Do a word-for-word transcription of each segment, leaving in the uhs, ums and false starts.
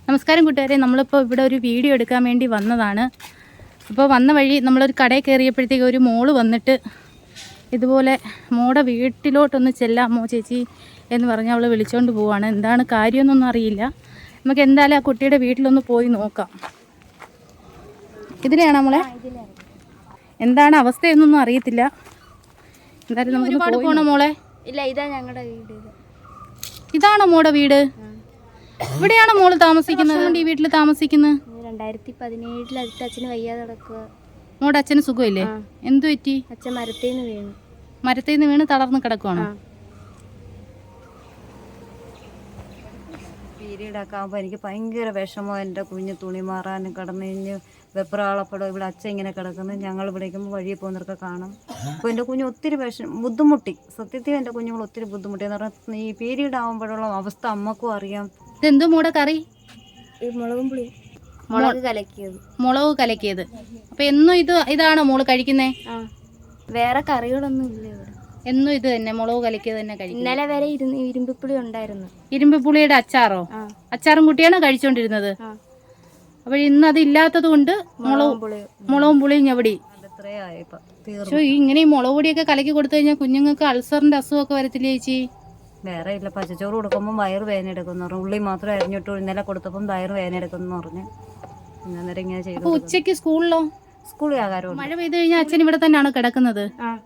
നമസ്കാരം കൂട്ടുകാരെ, നമ്മളിപ്പോൾ ഇവിടെ ഒരു വീഡിയോ എടുക്കാൻ വേണ്ടി വന്നതാണ്. അപ്പോൾ വന്ന വഴി നമ്മളൊരു കടയിൽ കയറിയപ്പോഴത്തേക്ക് ഒരു മോള് വന്നിട്ട് ഇതുപോലെ മോടെ വീട്ടിലോട്ടൊന്ന് ചെല്ലാമോ ചേച്ചി എന്ന് പറഞ്ഞ് അവൾ വിളിച്ചുകൊണ്ട് പോവാണ്. എന്താണ് കാര്യമൊന്നൊന്നും അറിയില്ല. നമുക്ക് എന്തായാലും ആ കുട്ടിയുടെ വീട്ടിലൊന്ന് പോയി നോക്കാം. ഇതിലെയാണ് നമ്മളെ എന്താണ് അവസ്ഥയെന്നൊന്നും അറിയത്തില്ല. എന്തായാലും നമുക്ക് ഒരുപാട് പോകണം മോളെ. ഇല്ല, ഇതാ ഞങ്ങളുടെ വീട്. ഇതാണോ മോടെ വീട്? ഇവിടെയാണോ മോള് താമസിക്കുന്നത്? ഈ വീട്ടിൽ താമസിക്കുന്നത് രണ്ടായിരത്തി പതിനേഴിൽ അടുത്ത അച്ഛന് വയ്യാതെ കിടക്കുക. മോടെ അച്ഛന് സുഖമില്ലേ? എന്തു പറ്റി? അച്ഛൻ മരത്തേന്ന് വീണു. മരത്തേന്ന് വീണ് തളർന്ന് കിടക്കുവാണോ? പീരീഡൊക്കെ ആകുമ്പോൾ എനിക്ക് ഭയങ്കര വിഷമോ. എൻ്റെ കുഞ്ഞ് തുണി മാറാനും കിടന്നു കഴിഞ്ഞ് വെപ്രാളപ്പെടോ. ഇവിടെ അച്ഛൻ ഇങ്ങനെ കിടക്കുന്നത് ഞങ്ങൾ വിളിക്കുമ്പോൾ വഴിയിൽ പോകുന്നവർക്ക് കാണും. അപ്പോൾ എൻ്റെ കുഞ്ഞ് ഒത്തിരി വിഷം ബുദ്ധിമുട്ടി. സത്യത്തിൽ എൻ്റെ കുഞ്ഞുങ്ങൾ ഒത്തിരി ബുദ്ധിമുട്ടി എന്ന് പറഞ്ഞാൽ ഈ പീരീഡ് ആകുമ്പോഴുള്ള അവസ്ഥ അമ്മക്കും അറിയാം. ഇതെന്തോ മോടെ കറി? ഈ മുളകും പുളി മുളക് കലക്കിയത്. മുളക് കലക്കിയത്. അപ്പോൾ എന്നും ഇത് ഇതാണോ മോള് കഴിക്കുന്നേ? ആ, വേറെ കറികളൊന്നും ഇല്ല ഇവിടെ. എന്നും ഇത് തന്നെ മുളക് കലക്കിയത് തന്നെ കഴിക്കും. ഇന്നലെ വരെ ഇരുന്ന് ഇരുമ്പിപ്പുളി ഉണ്ടായിരുന്നു. ഇരുമ്പിപ്പുളിയുടെ അച്ചാറോ? അച്ചാറും കുട്ടിയാണോ കഴിച്ചോണ്ടിരുന്നത്? അപ്പോൾ ഇന്ന് അത് ഇല്ലാത്തത് കൊണ്ട് മുളകും മുളകും പുളിയും ഞവടി. പക്ഷേ ഇങ്ങനെ ഈ മുളക് പൊടിയൊക്കെ കലക്കി കൊടുത്തു കഴിഞ്ഞാൽ കുഞ്ഞുങ്ങൾക്ക് അൾസറിന്റെ അസുഖമൊക്കെ വരത്തില്ലേ ചേച്ചി? വേറെ ഇല്ല, പച്ചച്ചോറ് കൊടുക്കുമ്പോൾ വയറ് വേദന എടുക്കുമെന്ന് പറഞ്ഞു. ഉള്ളി മാത്രം അരിഞ്ഞിട്ട് ഇന്നലെ കൊടുത്തപ്പം വയറ് വേദന എടുക്കുമെന്ന് പറഞ്ഞു. അന്നേരം ഇങ്ങനെ ചെയ്തു. അപ്പോൾ ഉച്ചയ്ക്ക് സ്കൂളിലോ? സ്കൂളിൽ ആകാരം. മഴ പെയ്ത് കഴിഞ്ഞാൽ അച്ഛൻ ഇവിടെ തന്നെയാണ് കിടക്കുന്നത്.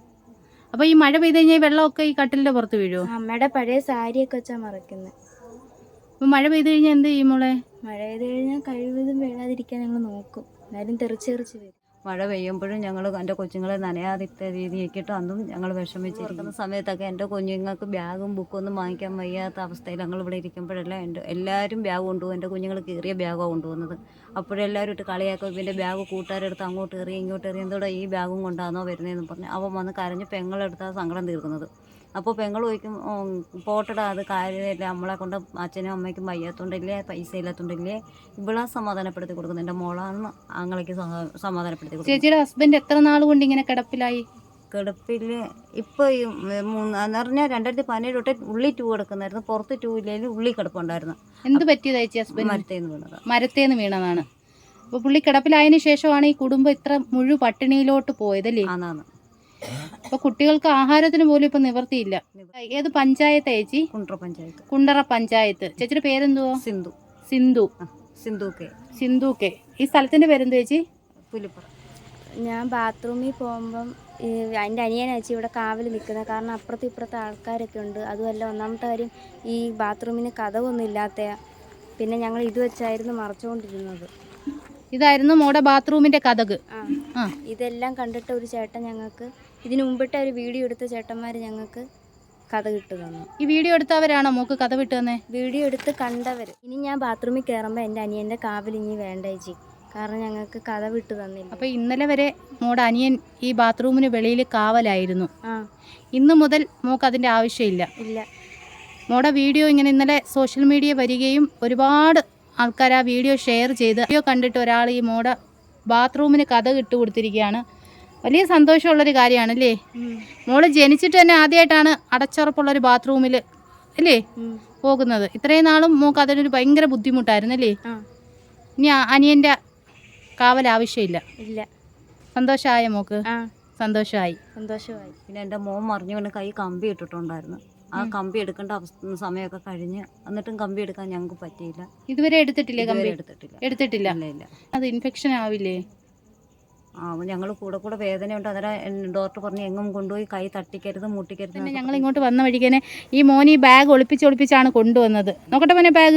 അപ്പോൾ ഈ മഴ പെയ്ത് കഴിഞ്ഞാൽ ഈ വെള്ളമൊക്കെ ഈ കട്ടിലിന്റെ പുറത്ത് വീഴുമോ? അമ്മയുടെ പഴയ സാരിയൊക്കെ വെച്ചാൽ മറക്കുന്നത്. അപ്പോൾ മഴ പെയ്ത് കഴിഞ്ഞാൽ എന്ത് ചെയ്യും മോളെ? മഴ പെയ്ത് കഴിഞ്ഞാൽ കഴിവതും വീഴാതിരിക്കാൻ ഞങ്ങൾ നോക്കും. എന്നാലും തെറിച്ച് തെറിച്ച് വരും. മഴ പെയ്യുമ്പോഴും ഞങ്ങൾ എൻ്റെ കൊച്ചുങ്ങളെ നനയാതിത്ത രീതിയാക്കിയിട്ട് അന്നും ഞങ്ങൾ വിഷമിച്ചിരിക്കുന്ന സമയത്തൊക്കെ എൻ്റെ കുഞ്ഞുങ്ങൾക്ക് ബാഗും ബുക്കും ഒന്നും വാങ്ങിക്കാൻ വയ്യാത്ത അവസ്ഥയിൽ ഞങ്ങൾ ഇവിടെ ഇരിക്കുമ്പോഴെല്ലാം എൻ്റെ എല്ലാവരും ബാഗ് കൊണ്ടുപോകും. എൻ്റെ കുഞ്ഞുങ്ങൾ കീറിയ ബാഗാണ് കൊണ്ടുപോകുന്നത്. അപ്പോഴെല്ലാവരും ഇട്ട് കളിയാക്കും. ഇവൻ്റെ ബാഗ് കൂട്ടുകാരെടുത്ത് അങ്ങോട്ട് എറിയും ഇങ്ങോട്ട് എറിയും. എന്തോടെ ഈ ബാഗും കൊണ്ടാണോ വരുന്നതെന്ന് പറഞ്ഞ് അവൻ വന്ന് കരഞ്ഞ് പെങ്ങളെടുത്താണ് സങ്കടം തീർക്കുന്നത്. അപ്പോൾ പെങ്ങൾ ചോദിക്കും, പോട്ടടാ അത് കാര്യമില്ല, നമ്മളെ കൊണ്ട് അച്ഛനും അമ്മയ്ക്കും വയ്യാത്തോണ്ടില്ലേ, പൈസ ഇല്ലാത്തോണ്ടില്ലേ, ഇവിടെ സമാധാനപ്പെടുത്തി കൊടുക്കുന്നത്. എൻ്റെ മോളാണ് ആങ്ങളയ്ക്ക് സമാധാനപ്പെടുത്തി കൊടുക്കുന്നത്. ചേച്ചിയുടെ ഹസ്ബൻഡ് എത്ര നാൾ കൊണ്ട് ഇങ്ങനെ കിടപ്പിലായി? കിടപ്പിൽ ഇപ്പോൾ ഈ മൂന്ന് എന്ന് പറഞ്ഞാൽ രണ്ടായിരത്തി പതിനേഴ് തൊട്ട് ഉള്ളി ടൂ കിടക്കുന്നായിരുന്നു. പുറത്ത് ടൂ ഇല്ലെങ്കിൽ ഉള്ളി കിടപ്പുണ്ടായിരുന്നു. എന്ത് പറ്റിയതാ ചേച്ചി ഹസ്ബൻഡ്? മരത്തേന്ന് വീണത്. മരത്തേന്ന് വീണതാണ്. അപ്പോൾ പുള്ളി കിടപ്പിലായതിനു ശേഷമാണ് ഈ കുടുംബം ഇത്ര മുഴു പട്ടിണിയിലോട്ട് പോയതല്ലേ? ആന്നാണ്. അപ്പൊ കുട്ടികൾക്ക് ആഹാരത്തിന് പോലും ഇപ്പൊ നിവർത്തിയില്ല. ഏത് പഞ്ചായത്താ ചേച്ചി? കുണ്ടറ പഞ്ചായത്ത്. കുണ്ടറ പഞ്ചായത്ത്. ചേച്ചിയുടെ പേരെന്തുവാ? സിന്ധു. സിന്ധു. സിന്ധു കെ. സിന്ധു കെ. ഈ സ്ഥലത്തിന്റെ പേരെന്തു ചേച്ചി? പുലിപ്പുറ. ഞാൻ ബാത്റൂമിൽ പോകുമ്പം എൻ്റെ അനിയനച്ചി ഇവിടെ കാവൽ നിൽക്കുന്നത്. കാരണം അപ്പുറത്തും ഇപ്പുറത്തെ ആൾക്കാരൊക്കെ ഉണ്ട്. അതുമല്ല, ഒന്നാമത്തെ കാര്യം ഈ ബാത്റൂമിന് കതവൊന്നും ഇല്ലാത്ത. പിന്നെ ഞങ്ങൾ ഇത് വെച്ചായിരുന്നു മറച്ചുകൊണ്ടിരുന്നത്. ഇതായിരുന്നു മോടെ ബാത്റൂമിന്റെ കതക്. ആ, ഇതെല്ലാം കണ്ടിട്ട് ഒരു ചേട്ടൻ ഞങ്ങൾക്ക് ഇതിനു മുമ്പിട്ട് ഒരു വീഡിയോ എടുത്ത ചേട്ടന്മാർ ഞങ്ങൾക്ക് കഥ വിട്ട് തന്നു. ഈ വീഡിയോ എടുത്തവരാണോ മോക്ക് കഥ വിട്ട് തന്നെ? വീഡിയോ എടുത്ത് കണ്ടവർ. ഇനി ഞാൻ ബാത്റൂമിൽ കയറുമ്പോൾ എൻ്റെ അനിയൻ്റെ കാവൽ ഇനി വേണ്ട ചേച്ചി, കാരണം ഞങ്ങൾക്ക് കഥ വിട്ട് തന്നില്ല. അപ്പോൾ ഇന്നലെ വരെ മോടെ അനിയൻ ഈ ബാത്റൂമിന് വെളിയിൽ കാവലായിരുന്നു. ആ, ഇന്ന് മുതൽ മോക്ക് അതിൻ്റെ ആവശ്യമില്ല. ഇല്ല. മോടെ വീഡിയോ ഇങ്ങനെ ഇന്നലെ സോഷ്യൽ മീഡിയ വരികയും ഒരുപാട് ആൾക്കാർ ആ വീഡിയോ ഷെയർ ചെയ്ത് വീഡിയോ കണ്ടിട്ട് ഒരാൾ ഈ മോടെ ബാത്റൂമിന് കഥ ഇട്ട് കൊടുത്തിരിക്കുകയാണ്. വലിയ സന്തോഷമുള്ളൊരു കാര്യമാണല്ലേ? മോള് ജനിച്ചിട്ട് തന്നെ ആദ്യമായിട്ടാണ് അടച്ചുറപ്പുള്ളൊരു ബാത്റൂമിൽ അല്ലേ പോകുന്നത്. ഇത്രയും നാളും മോക്ക് അതിനൊരു ഭയങ്കര ബുദ്ധിമുട്ടായിരുന്നല്ലേ? ഇനി അനിയൻ്റെ കാവൽ ആവശ്യമില്ല. ഇല്ല. സന്തോഷമായ മോക്ക്? സന്തോഷമായി. സന്തോഷമായി. പിന്നെ എൻ്റെ മോൻ മറിഞ്ഞുകൊണ്ട് കൈ കമ്പി ഇട്ടിട്ടുണ്ടായിരുന്നു. ആ കമ്പി എടുക്കേണ്ട അവസ്ഥ സമയമൊക്കെ കഴിഞ്ഞ് എന്നിട്ടും കമ്പി എടുക്കാൻ ഞങ്ങൾക്ക് പറ്റിയില്ല. ഇതുവരെ എടുത്തിട്ടില്ലേ? കമ്പി എടുത്തിട്ടില്ല. എടുത്തിട്ടില്ല. ഇല്ല. അത് ഇൻഫെക്ഷൻ ആവില്ലേ? ആ, ഞങ്ങൾ കൂടെ കൂടെ വേദനയുണ്ട്. അന്നേരം ഡോക്ടർ പറഞ്ഞു എങ്ങും കൊണ്ടുപോയി കൈ തട്ടിക്കരുത് മുട്ടിക്കരുത്. പിന്നെ ഞങ്ങൾ ഇങ്ങോട്ട് വന്ന വഴിക്കേനെ ഈ മോൻ ഈ ബാഗ് ഒളിപ്പിച്ച് ഒളിപ്പിച്ചാണ് കൊണ്ടുവന്നത്. നോക്കട്ടെ മോനെ ബാഗ്.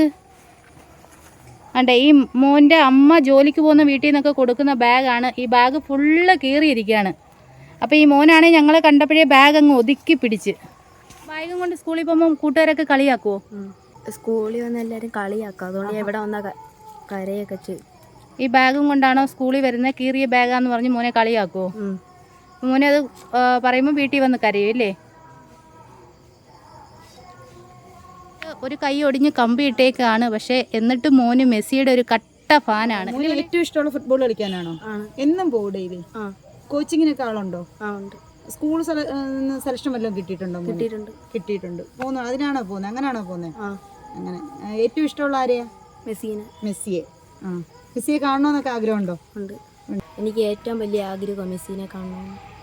അണ്ടേ, ഈ മോൻ്റെ അമ്മ ജോലിക്ക് പോകുന്ന വീട്ടിൽ നിന്നൊക്കെ കൊടുക്കുന്ന ബാഗാണ്. ഈ ബാഗ് ഫുള്ള് കീറിയിരിക്കുകയാണ്. അപ്പോൾ ഈ മോനാണെങ്കിൽ ഞങ്ങളെ കണ്ടപ്പോഴേ ബാഗ് അങ്ങ് ഒതുക്കി പിടിച്ച്. ബാഗും കൊണ്ട് സ്കൂളിൽ പോകുമ്പോൾ കൂട്ടുകാരൊക്കെ കളിയാക്കുമോ? സ്കൂളിൽ വന്ന് എല്ലാവരും കളിയാക്കും. അതുകൊണ്ട് എവിടെ വന്നാൽ കരയൊക്കെ ചെയ്യും. ഈ ബാഗും കൊണ്ടാണോ സ്കൂളിൽ വരുന്നത്? കീറിയ ബാഗാന്ന് പറഞ്ഞ് മോനെ കളിയാക്കുമോ? മോനെ അത് പറയുമ്പോൾ വീട്ടിൽ വന്ന് കരയും അല്ലേ? ഒരു കൈ ഒടിഞ്ഞ് കമ്പി ഇട്ടേക്കാണ്. പക്ഷേ എന്നിട്ട് മോന് മെസ്സിയുടെ ഒരു കട്ട ഫാനാണ്. ഏറ്റവും ഇഷ്ടമുള്ള ഫുട്ബോൾ കളിക്കാനാണോ? എന്നും പോകും ഡെയിലി? കോച്ചിങ്ങിനൊക്കെ ആളുണ്ടോ? സ്കൂൾ സെലക്ഷൻ വല്ലതും കിട്ടിയിട്ടുണ്ടോ? കിട്ടിയിട്ടുണ്ട്. കിട്ടിയിട്ടുണ്ട്. പോകുന്നു. അതിനാണോ പോകുന്നത്? അങ്ങനെയാണോ പോകുന്നത്? അങ്ങനെ. ഏറ്റവും ഇഷ്ടമുള്ള ആരെയാ? മെസ്സിനെ മെസ്സിയെ ആ മെസ്സിയെ കാണണമെന്നൊക്കെ ആഗ്രഹമുണ്ടോ? ഉണ്ട്. എനിക്ക് ഏറ്റവും വലിയ ആഗ്രഹം മെസ്സിനെ കാണണം.